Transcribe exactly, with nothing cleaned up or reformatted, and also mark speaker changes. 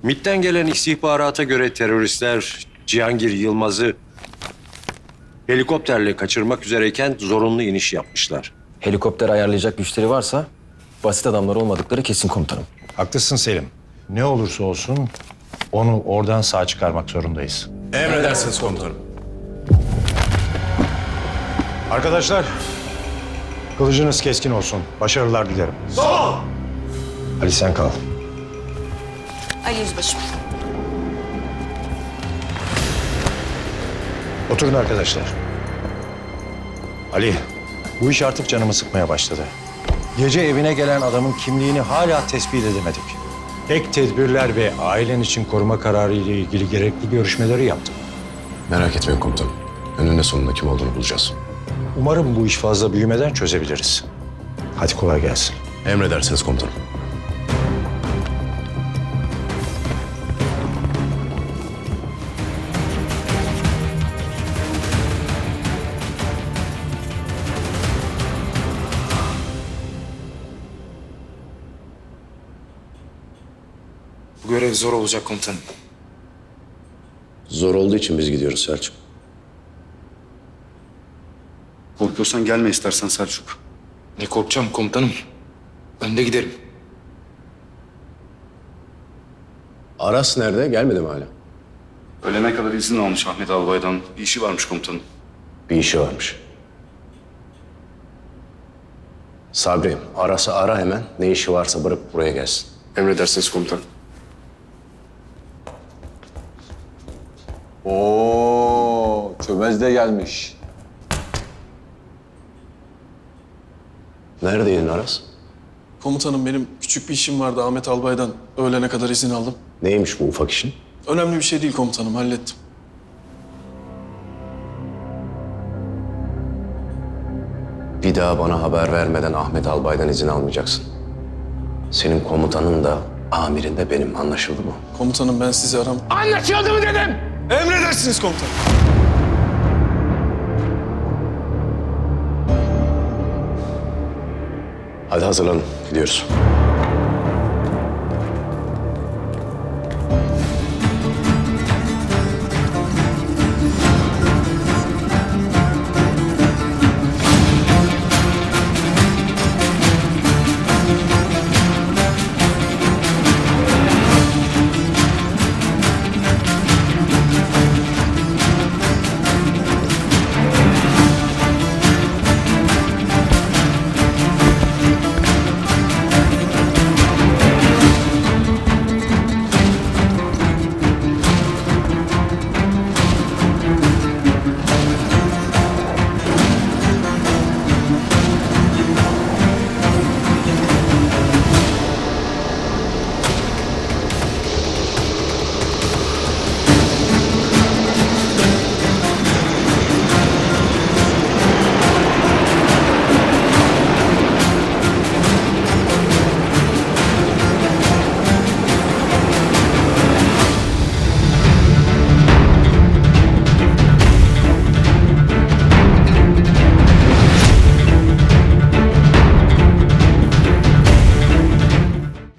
Speaker 1: MİT'ten gelen istihbarata göre teröristler Cihangir Yılmaz'ı helikopterle kaçırmak üzereyken zorunlu iniş yapmışlar.
Speaker 2: Helikopter ayarlayacak güçleri varsa basit adamlar olmadıkları kesin komutanım.
Speaker 3: Haklısın Selim. Ne olursa olsun onu oradan sağ çıkarmak zorundayız.
Speaker 4: Emredersiniz komutanım.
Speaker 3: Arkadaşlar, kılıcınız keskin olsun. Başarılar dilerim. Sağ ol. Ali sen kal.
Speaker 5: Ali Yüzbaşım.
Speaker 3: Oturun arkadaşlar. Ali, bu iş artık canımı sıkmaya başladı. Gece evine gelen adamın kimliğini hala tespit edemedik. Ek tedbirler ve ailen için koruma kararı ile ilgili gerekli görüşmeleri yaptık.
Speaker 4: Merak etmeyin komutanım. Önünde sonunda kim olduğunu bulacağız.
Speaker 3: Umarım bu iş fazla büyümeden çözebiliriz. Hadi kolay gelsin.
Speaker 4: Emredersiniz komutanım.
Speaker 6: Bu görev zor olacak komutanım.
Speaker 4: Zor olduğu için biz gidiyoruz Selçuk.
Speaker 7: Korkuyorsan gelme istersen Selçuk.
Speaker 6: Ne korkacağım komutanım. Ben de giderim.
Speaker 4: Aras nerede? Gelmedi mi hala?
Speaker 7: Ölene kadar izin almış Ahmet Albay'dan. Bir işi varmış komutanım.
Speaker 4: Bir işi varmış. Sabri, Aras'ı ara hemen. Ne işi varsa bırakıp buraya gelsin.
Speaker 7: Emredersiniz komutanım.
Speaker 8: Oo, çömez de gelmiş.
Speaker 4: Neredeydin Aras?
Speaker 9: Komutanım benim küçük bir işim vardı Ahmet Albay'dan. Öğlene kadar izin aldım.
Speaker 4: Neymiş bu ufak işin?
Speaker 9: Önemli bir şey değil komutanım, hallettim.
Speaker 4: Bir daha bana haber vermeden Ahmet Albay'dan izin almayacaksın. Senin komutanın da amirin de benim, anlaşıldı mı?
Speaker 9: Komutanım ben sizi aram...
Speaker 6: Anlaşıldı mı dedim?
Speaker 9: Emredersiniz komutanım.
Speaker 4: Hadi hazırlanın, gidiyoruz.